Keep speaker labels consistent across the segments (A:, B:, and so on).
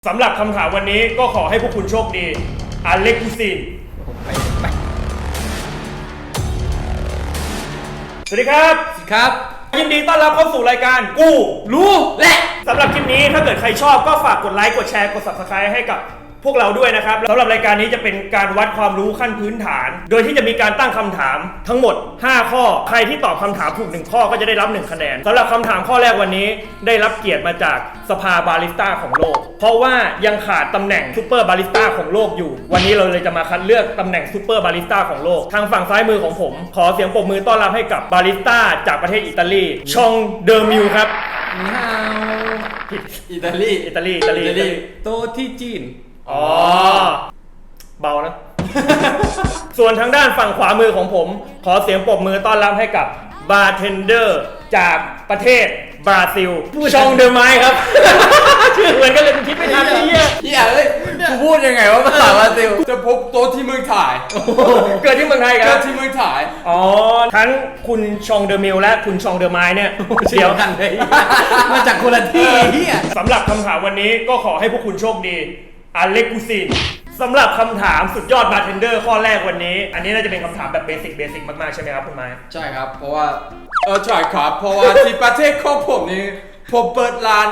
A: สำหรับคำถามวันนี้ก็ขอให้พวกคุณโชคดีอเล็กกูซินสวัสดีครับยินดีต้อนรับเข้าสู่รายการกูรู้และสำหรับคลิปนี้ถ้าเกิดใครชอบก็ฝากกดไลค์กดแชร์กด Subscribe ให้กับพวกเราด้วยนะครับสำหรับรายการนี้จะเป็นการวัดความรู้ขั้นพื้นฐานโดยที่จะมีการตั้งคำถามทั้งหมด5ข้อใครที่ตอบคำถามถูก1ข้อก็จะได้รับ1คะแนนสำหรับคำถามข้อแรกวันนี้ได้รับเกียรติมาจากสภาบาริสต้าของโลกเพราะว่ายังขาดตำแหน่งซูเปอร์บาริสต้าของโลกอยู่วันนี้เราเลยจะมาคัดเลือกตำแหน่งซูเปอร์บาริสต้าของโลกทางฝั่งซ้ายมือของผมขอเสียงปรบมือต้อนรับให้กับบาริสต้าจากประเทศอิตาลีชองเดอร์มิวครับ
B: นี่ฮาวอิตาลี โตที่จีน
A: อ๋อเบานะ ส่วนทางด้านฝั่งขวามือของผมขอเสียงปรบมือต้อนรับให้กับบาร์เทนเดอร์จากประเทศบราซิลชองเดอร์ไมครับ ชื่อเหมือนกันเลยคิดไม่ทันเลย
B: เลยกูพูดยังไงว่าภาษาบราซิลจะพบโตที่เมืองไทย
A: เกิดที่เมืองไทยครับ
B: เกิดที่เมืองไทย
A: อ๋อทั้งคุณชองเดอร์มิลและคุณชองเดอร์ไมเนี่ยเดียวกันเลย
B: มาจากคนละที่
A: สำหรับคำถามวันนี้ก็ขอให้พวกคุณโชคดีอเล็กกูซินสำหรับคำถามสุดยอดบาร์เทนเดอร์ข้อแรกวันนี้อันนี้น่าจะเป็นคำถามแบบเบสิกมากๆใช่ไหมครับคุณไม้
B: ใช่ครับเพราะว่าใช่ครับเพราะว่าที่ประเทศของผมนี่ผมเปิดร้าน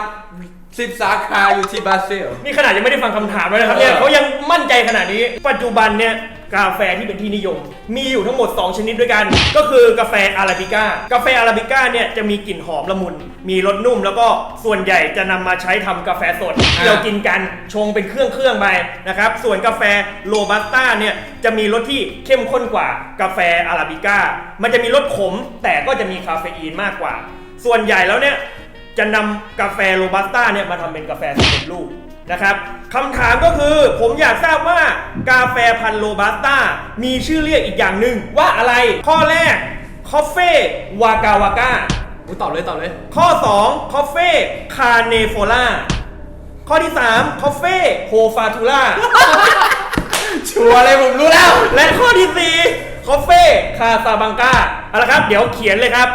B: 10 สาขาอยู่ที่บราซิล
A: นี่ขนาดยังไม่ได้ฟังคำถามเลยนะครับเนี่ยเขายังมั่นใจขนาดนี้ปัจจุบันเนี่ยกาแฟที่เป็นที่นิยมมีอยู่ทั้งหมด2ชนิดด้วยกันก็คือกาแฟอาราบิก้ากาแฟอาราบิก้าเนี่ยจะมีกลิ่นหอมละมุนมีรสนุ่มแล้วก็ส่วนใหญ่จะนำมาใช้ทำกาแฟสดที่เรากินกันชงเป็นเครื่องไปนะครับส่วนกาแฟโรบัสต้าเนี่ยจะมีรสที่เข้มข้นกว่ากาแฟอาราบิก้ามันจะมีรสขมแต่ก็จะมีคาเฟอีนมากกว่าส่วนใหญ่แล้วเนี่ยจะนำกาแฟโรบัสต้าเนี่ยมาทำเป็นกาแฟสำเร็จรูปนะครับคำถามก็คือผมอยากทราบว่ากาแฟพันธุ์โรบัสต้ามีชื่อเรียกอีกอย่างหนึ่งว่าอะไรข้อแรกคอฟเฟ่วากาวาก้า
B: ตอบเลย
A: ข้อ2คอฟเฟ่คาเนโฟล่าข้อที่3คอฟเฟ่โฮฟาทูล่า
B: ชัวร์เลยผมรู้แล้ว
A: และข้อที่4คอฟเฟ่คาซาบังกาเอาละครับเดี๋ยวเขียนเลยครับ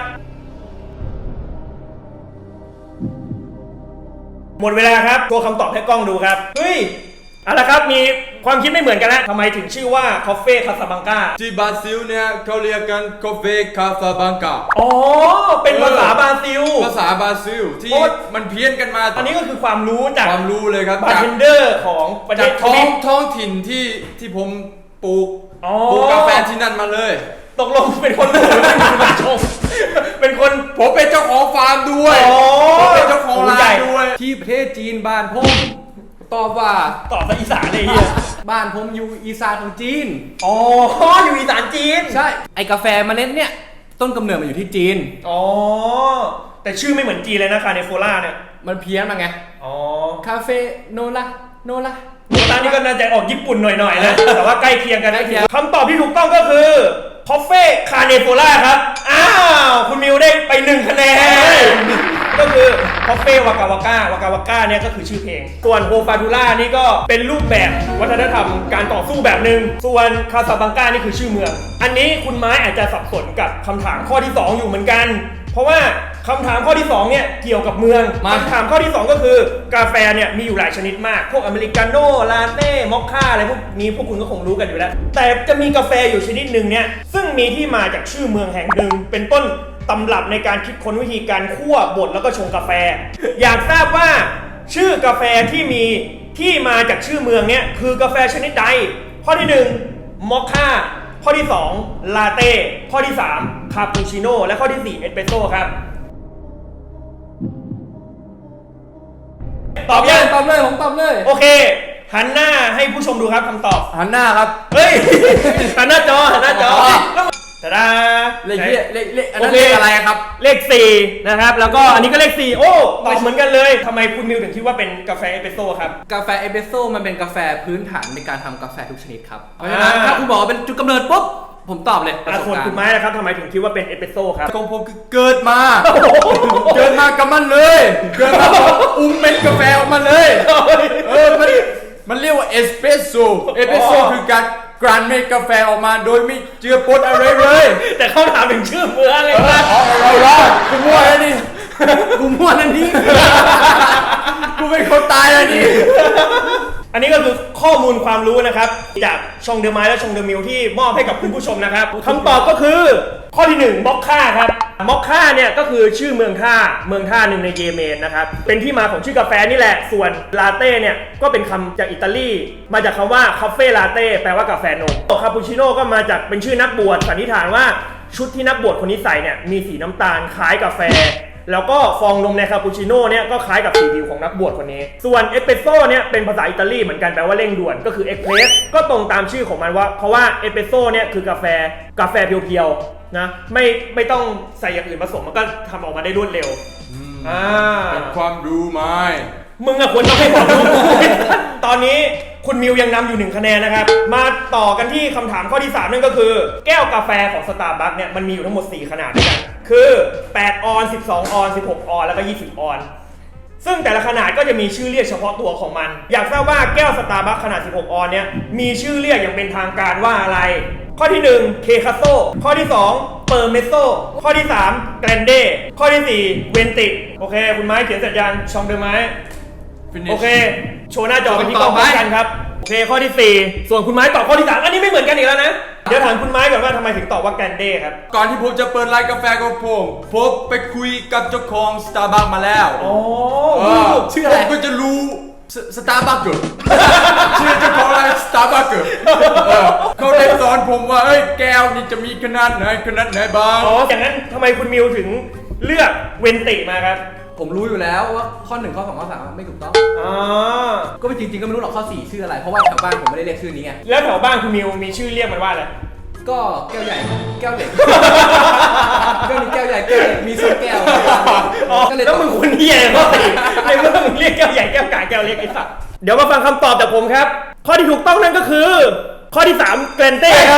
A: หมดเวลาครับตัวคำตอบให้กล้องดูครับเฮ้ยเอาละครับมีความคิดไม่เหมือนกันนะทำไมถึงชื่อว่าคอฟเฟ่คาซาบังกา
B: ที่บราซิลเนี่ยเขาเรียกกันคอฟเฟ่คาซาบังกา
A: อ๋อเป็นภาษาบราซิล
B: ที่มันเพี้ยนกันมา
A: อันนี้ก็คือความรู้จาก
B: ความรู้เลยครับ
A: บาร์เทนเดอร์ของประเทศ
B: ท้องถิ่นที่ผมปลูกกาแฟที่นั่นมาเลย
A: ตกลงเป็นคนปลูกเป็นคนชงเป็นคน
B: ผมเป็นเจ้าของฟาร์มด้วยผมเป็นเจ้าของร้านด้วยที่ประเทศจีนบ้านผมตอบ
A: ภาษาอีสานเลยเฮีย
B: บ้านผมอยู่อีสานของจีน
A: อ๋ออยู่อีสานจีน
B: ใช่ไอกาแฟเมล็ดเนี่ยต้นกำเนิดมันอยู่ที่จีน
A: อ๋อแต่ชื่อไม่เหมือนจีนเลยนะคาเนโฟล่าเนี่ย
B: มันเพี้ยนมาไง
A: อ๋อ
B: คาเฟ่โนล่า
A: นี่ก็น่าจะออกญี่ปุ่นหน่อยๆนะแต่ว่าใกล้เคียงกันนะคำตอบที่ถูกต้องก็คือคอฟเฟ่คาเนโฟล่าครับอ้าวคุณมิวได้ไป1คะแนนก็คือคอฟเฟ่วากาวาก้าเนี่ยก็คือชื่อเพลงส่วนโฮฟาทูล่านี่ก็เป็นรูปแบบวัฒนธรรมการต่อสู้แบบหนึ่งส่วนคาซาบังกานี่คือชื่อเมืองอันนี้คุณไม้อาจจะสับสนกับคำถามข้อที่2อยู่เหมือนกันเพราะว่าคำถามข้อที่2เนี่ยเกี่ยวกับเมืองคำถามข้อที่2ก็คือกาแฟเนี่ยมีอยู่หลายชนิดมากพวกอเมริกาโน่ลาเต้มอคค่าอะไรพวกนี้พวกคุณก็คงรู้กันอยู่แล้วแต่จะมีกาแฟอยู่ชนิดหนึ่งเนี่ยซึ่งมีที่มาจากชื่อเมืองแห่งหนึ่งเป็นต้นตำรับในการคิดค้นวิธีการคั่วบดแล้วก็ชงกาแฟอยากทราบว่าชื่อกาแฟที่มีที่มาจากชื่อเมืองเนี่ยคือกาแฟชนิดใดข้อที่1มอคค่าข้อที่2ลาเต้ข้อที่3คาปูชิโน่และข้อที่4เอสเปรสโซ่ครับตอบยัง
B: ตอบเลยผมตอบเลย
A: โอเคหันหน้าให้ผู้ชมดูครับคำตอบ
B: หันหน้าครับ
A: เฮ้ยหันหน้าจอตาดา
B: เลขอันนั้นเลขอะไรครับ
A: เลข4นะครับแล้วก็อันนี้ก็เลข4โอ้ตอบเหมือนกันเลยทำไมคุณมิวถึงคิดว่าเป็นกาแฟเอสเปรสโซ่ครับ
B: กาแฟเอสเปรสโซ่มันเป็นกาแฟพื้นฐานในการทำกาแฟทุกชนิดครับเพราะฉะนั้นถ้าคุณบอกว่าเป็นจุดกำเนิดปุ๊บผมตอบเลย
A: ส่วนคุณไม้นะครับทำไมถึงคิดว่าเป็นเอสเปรสโซ่ครับ
B: ของผมคือเกิดมากับมันเลยเกิดมาเป็นกาแฟออกมาเลยมันเรียกว่าเอสเปรสโซ่คือการกลั่นเม็ดกาแฟออกมาโดยไม่เจือปนอะไรเลย
A: แต่เขาถามถึงชื่อเมืองเลยครับ
B: เราคุณมั่วแล้วนี่กูมั่วนั่นนี่ กูเป็นคนตายแล้วนี่
A: อันนี้ก็คือข้อมูลความรู้นะครับจากชองเดอร์ไมล์และชองเดอร์มิลที่มอบให้กับคุณผู้ชมนะครับคำตอบก็คือข้อที่1ม็อกค่าครับม็อกค่าเนี่ยก็คือชื่อเมืองท่าหนึ่งในเยเมนนะครับเป็นที่มาของชื่อกาแฟนี่แหละส่วนลาเต้เนี่ยก็เป็นคำจากอิตาลีมาจากคำว่าคาเฟ่ลาเต้แปลว่ากาแฟนมคาปูชิโน่ก็มาจากเป็นชื่อนักบวชสันนิษฐานว่าชุดที่นักบวชคนนี้ใส่เนี่ยมีสีน้ำตาลคล้ายกาแฟแล้วก็ฟองนมในคาปูชิโน่เนี่ยก็คล้ายกับสีผิวของนักบวชคนนี้ส่วนเอสเปรสโซ่เนี่ยเป็นภาษาอิตาลีเหมือนกันแปลว่าเร่งด่วนก็คือเอ็กเพรสก็ตรงตามชื่อของมันว่าเพราะว่าเอสเปรสโซ่เนี่ยคือกาแฟเพียวๆนะไม่ต้องใส่อย่างอื่นผสมมันก็ทำออกมาได้รวดเร็ว
B: เป็นความรู้ไหม
A: มึงอะควรต้องให้ความรู้ ตอนนี้คุณมิวยังนำอยู่1คะแนนนะครับมาต่อกันที่คำถามข้อที่3นั่นก็คือแก้วกาแฟของ Starbucks เนี่ยมันมีอยู่ทั้งหมด4ขนาดด้วยกันคือ8ออน12ออน16ออนแล้วก็20ออนซึ่งแต่ละขนาดก็จะมีชื่อเรียกเฉพาะตัวของมันอยากทราบว่าแก้ว Starbucks ขนาด16ออนเนี่ยมีชื่อเรียกอย่างเป็นทางการว่าอะไรข้อที่1เคคาโซข้อที่2เปอร์เมโซข้อที่3แกรนเดข้อที่4เวนติโอเคคุณไม้เขียนเสร็จยังชองเดอไม้โอเคโชว์หน้าจอเป็นที่ต้องกันครับโอเคข้อที่4ส่วนคุณไม้ตอบข้อที่3อันนี้ไม่เหมือนกันอีกแล้วนะเดี๋ยวถามคุณไม้ก่อนว่าทำไมถึงตอบว่าแกรนเดครับ
B: ก่อนที่ผมจะเปิดร้านกาแฟของผมไปคุยกับเจ้าของ Starbucks มาแล้วชื่ออะไรผมก็จะรู้ Starbucks ชื่อเจ้าของร้าน Starbucks เขาได้สอนผมว่าแก้วนี่จะมีขนาดไหนบ้าง
A: อย่างนั้นทำไมคุณมิวถึงเลือกเวนติมาครับ
C: ผมรู้อยู่แล้วว่าข้อ1ข้อ2ข้อ3ไม่ถูกต้องก็จริงๆก็ไม่รู้หรอกข้อ4ชื่ออะไรเพราะว่าแถวบ้านผมไม่ได้เรียกชื่อนี้ไง
A: แล้วแถวบ้านคุณมิวมีชื่อเรียกมันว่าอะไร
C: ก็แก้วใหญ่แก้วเล็กก็มีแก้วใหญ่แก้วเล็กมี2แก้ว
A: แล้วมึงคนเหี้ยก็ในเมื่อมึงเรียกแก้วใหญ่แก้วกลางแก้วเล็กไอ้สัสเดี๋ยวมาฟังคำตอบจากผมครับข้อที่ถูกต้องนั่นก็คือข้อที่3แกรนเต้ครับ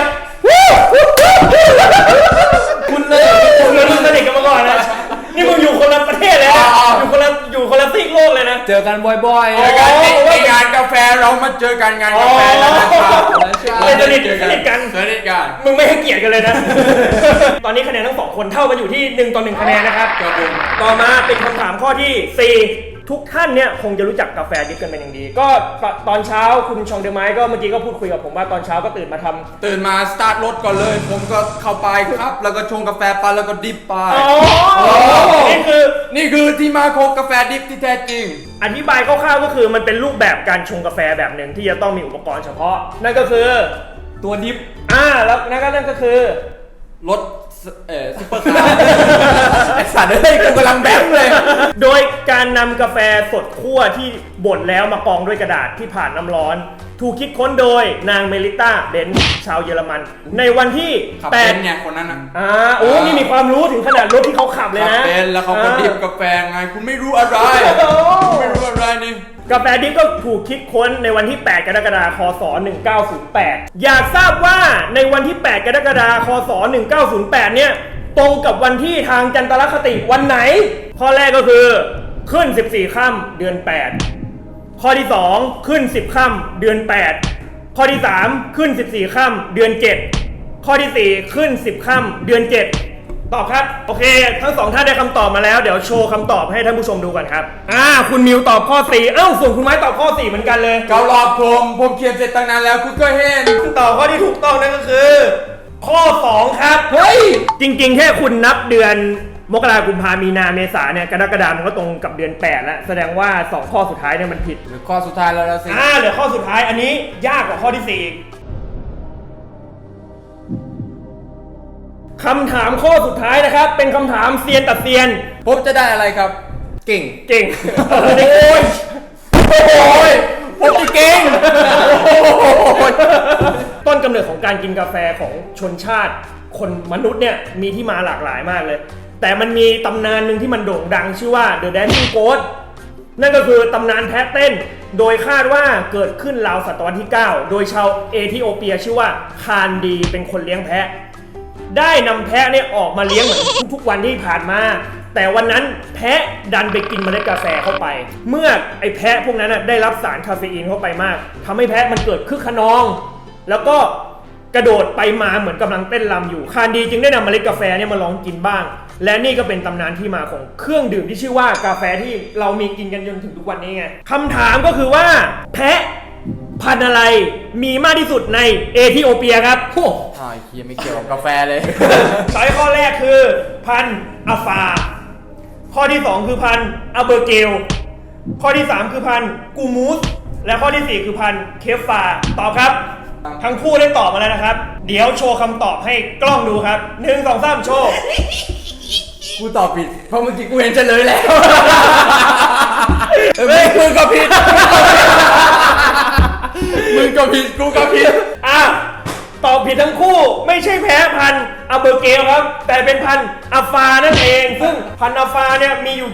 A: คุณสนิทกันมาก่อนนะนี่มึงอยู่คนละประเทศเลยนะอยู่คนละซีกโลกเลยนะ
C: เจอกันบ่อย
B: ๆเจอกันในงานกาแฟเรามาเจอกันงานกาแฟแล้วนะครับ
A: สนิทกัน มึงไม่ให้เกียรติกันเลยนะ ตอนนี้คะแนนทั้ง2คนเท่ากันอยู่ที่1ต่อ1คะแนนนะครับต่อมาเป็นคำถามข้อที่4ทุกท่านเนี่ยคงจะรู้จักกาแฟดิฟกันเป็นอย่างดีก็ตอนเช้าคุณชองเดอไม้ก็เมื่อกี้ก็พูดคุยกับผมว่าตอนเช้าก็ตื่นมา
B: สตาร์ทรถก่อนเลยผมก็เข้าไปครับแล้วก็ชงกาแฟไปแล้วก็ดิฟไปนี่คือที่มาของกาแฟดิฟที่แท้จริง
A: อธิบายคร่าวๆก็คือมันเป็นรูปแบบการชงกาแฟแบบหนึ่งที่จะต้องมีอุปกรณ์เฉพาะนั่นก็คือ
C: ตัวดิฟ
A: แล้วนั่นก็คือ
B: รถซุปเปอร์คาร์
A: ไอสัตว์กูกำลังแบงค์เลยโดยการนำกาแฟสดคั่วที่บดแล้วมากองด้วยกระดาษที่ผ่านน้ำร้อนถูกคิดค้นโดยนางเมลิต้าเบนซ์ชาวเยอรมันในวันที่
B: 8เนี่ยคนนั้น
A: นี่มีความรู้ถึงขนาดรถที่เขาขับเลยนะ
B: เป็นแล้วเขาก็ดิบกาแฟไงคุณไม่รู้อะไรนี่
A: กาแฟดิฟก็ถูกคิดค้นในวันที่8กรกฎาคมคศ1908อยากทราบว่าในวันที่8กรกฎาคมคศ1908เนี่ยตรงกับวันที่ทางจันทรคติวันไหนข้อแรกก็คือขึ้น14ค่ำเดือน8ข้อที่2ขึ้น10ค่ำเดือน8ข้อที่3ขึ้น14ค่ำเดือน7ข้อที่4ขึ้น10ค่ำเดือน7ตอบครับโอเคทั้ง2ท่านได้คำตอบมาแล้วเดี๋ยวโชว์คำตอบให้ท่านผู้ชมดูกันครับคุณมิวตอบข้อ4ส่วนคุณไม้ตอบข้อ4เหมือนกันเลย
B: เกาหลอกผมเขียนเสร็จตั้งนานแล้วคุณก็เห็น
A: ตอบข้อที่ถูกต้องนั่นก็คือข้อ2ครับเฮ้ยจริงๆแค่คุณนับเดือนมกราคมกุมภาพันธ์มีนาเมษาเนี่ยกรกฎาคมมันก็ตรงกับเดือน8แล้วแสดงว่า2ข้อสุดท้ายเนี่ยมันผิด
B: หรือข้อสุดท้ายแล้วสิ
A: เหลือข้อสุดท้ายอันนี้ยากกว่าข้อที่4คำถามข้อสุดท้ายนะครับเป็นคำถามเซียนตัดเซียน
B: ผมจะได้อะไรครับ
C: เก่ง
A: โอ้ยผมจะเก่งต้นกำเนิดของการกินกาแฟของชนชาติคนมนุษย์เนี่ยมีที่มาหลากหลายมากเลยแต่มันมีตำนานหนึ่งที่มันโด่งดังชื่อว่า The Dancing Goat นั่นก็คือตำนานแพะเต้นโดยคาดว่าเกิดขึ้นราวศตวรรษที่9โดยชาวเอธิโอเปียชื่อว่าคานดีเป็นคนเลี้ยงแพะได้นำแพะเนี่ยออกมาเลี้ยงเหมือนทุกๆวันที่ผ่านมาแต่วันนั้นแพะดันไปกินเมล็ดกาแฟเข้าไปเมื่อไอ้แพะพวกนั้นได้รับสารคาเฟอีนเข้าไปมากทำให้แพะมันเกิดคึกขนองแล้วก็กระโดดไปมาเหมือนกำลังเต้นรำอยู่คานดีจึงได้นำเมล็ดกาแฟเนี่ยมาลองกินบ้างและนี่ก็เป็นตำนานที่มาของเครื่องดื่มที่ชื่อว่ากาแฟที่เรามีกินกันจนถึงทุกวันนี้ไงคำถามก็คือว่าแพะพันธุ์อะไรมีมากที่สุดในเอธิโอเปียครับ
C: โอ้
B: ไอ้เคียไม่เกี่ยวกับกาแฟเลย
A: ช้อยข้อแรกคือพันธุ์อาฟา ข้อที่ 2 คือพันธุ์อาเบอร์เกล ข้อที่ 3 คือพันธุ์กูมูส และข้อที่ 4 คือพันธุ์เคฟฟา ตอบครับ ทั้งคู่ได้ตอบมาแล้วนะครับ เดี๋ยวโชว์คำตอบให้กล้องดูครับ 1 2 3 โชว์
B: กูตอบผิด เพราะเมื่อกี้กูเห็นเฉลยแล้วมึงก็ผิด มึงก็ผิด กูก็ผิด
A: อ่ะตอบผิดทั้งคู่ไม่ใช่แพ้พันธุ์อาเบอร์เกลครับ แต่เป็นพันธุ์อาฟานั่นเอง ซึ่งพันธุ์อาฟาเนี่ยมีอยู่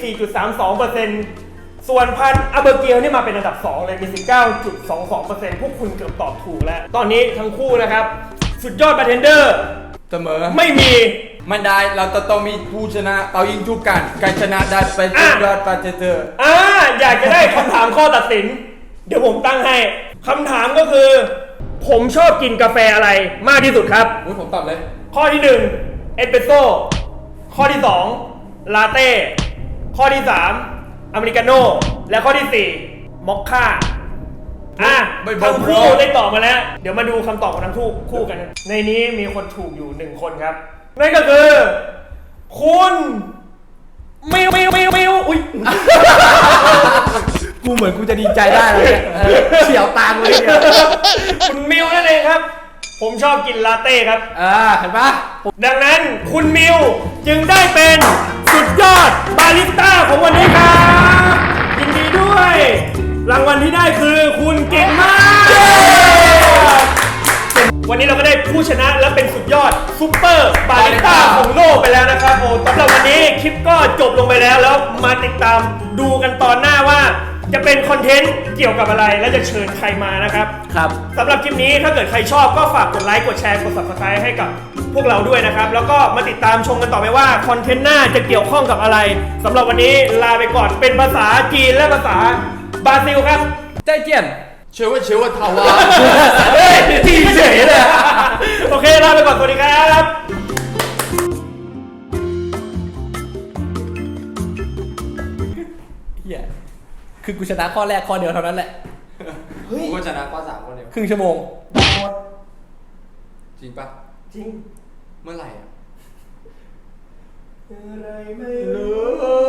A: 24.32%ส่วนพันธุ์อาเบอร์เกลนี่มาเป็นอันดับ 2 เลยมี 19.22%พวกคุณเกือบตอบถูกแล้ว ตอนนี้ทั้งคู่นะครับ สุดยอดบาร์เทนเดอร์
B: เสมอ
A: ไม่มี
B: ไม่ได้ เราจะต้องมีผู้ชนะเป่ายิงจุกกันใครชนะได้ไปสุดยอดปาเจเตอร์
A: อยากจะได้คำถามข้อตัดสิน เดี๋ยวผมตั้งให้คำถามก็คือ ผมชอบกินกาแฟอะไรมากที่สุดครับ
B: อุ๊ยผมตอบเลย
A: ข้อที่1เอสเปรสโซ่ข้อที่2ลาเต้ข้อที่3อเมริกาโน่และข้อที่4มอคค่าทั้งคู่ได้ตอบมาแล้ว เดี๋ยวมาดูคำตอบของทั้งคู่กัน ในนี้มีคนถูกอยู่1คนครับนั่นก็คือ คุณมิวอุ้ย
C: กูเหมือนกูจะดีใจได้เลยเนี่ยเฉียวตามเลยเนี่ย
A: คุณมิวนั่นเองครับ ผมชอบกินลาเต้ครับ
C: เห็นปะ
A: ดังนั้นคุณมิวจึงได้เป็นสุดยอดบาริสต้าของวันนี้ครับยินดีด้วย รางวัลที่ได้คือคุณเก่งมาก วันนี้เราก็ได้ผู้ชนะและเป็นสุดยอดซุปเปอร์บาริสต้าของโลกไปแล้วนะครับโอ้สำหรับวันนี้คลิปก็จบลงไปแล้วมาติดตามดูกันตอนหน้าว่าจะเป็นคอนเทนต์เกี่ยวกับอะไรและจะเชิญใครมานะครับ
C: ครับ
A: สำหรับคลิปนี้ถ้าเกิดใครชอบก็ฝากกดไลค์กดแชร์กด subscribe ให้กับพวกเราด้วยนะครับ แล้วก็มาติดตามชมกันต่อไปว่าคอนเทนต์หน้าจะเกี่ยวข้องกับอะไรสำหรับวันนี้ลาไปก่อนเป็นภาษาจีนและภาษาบราซิลครับ
C: ใจเจียน
B: เชื่อว่าทาวา
A: เฮ้ยจีนเฉยเลย โอเคลาไปก่อนสวัสดีครับ
C: เฮียคือกูชนะข้อแรกข้อเดียวเท่านั้นแหละ
B: กูก็ชนะข้อ3คนเดียว
C: ครึ่งชั่วโมง
B: จริงปะ
A: จริง
B: เมื่อไหร่อ่ะ
A: อะไรไม่รู้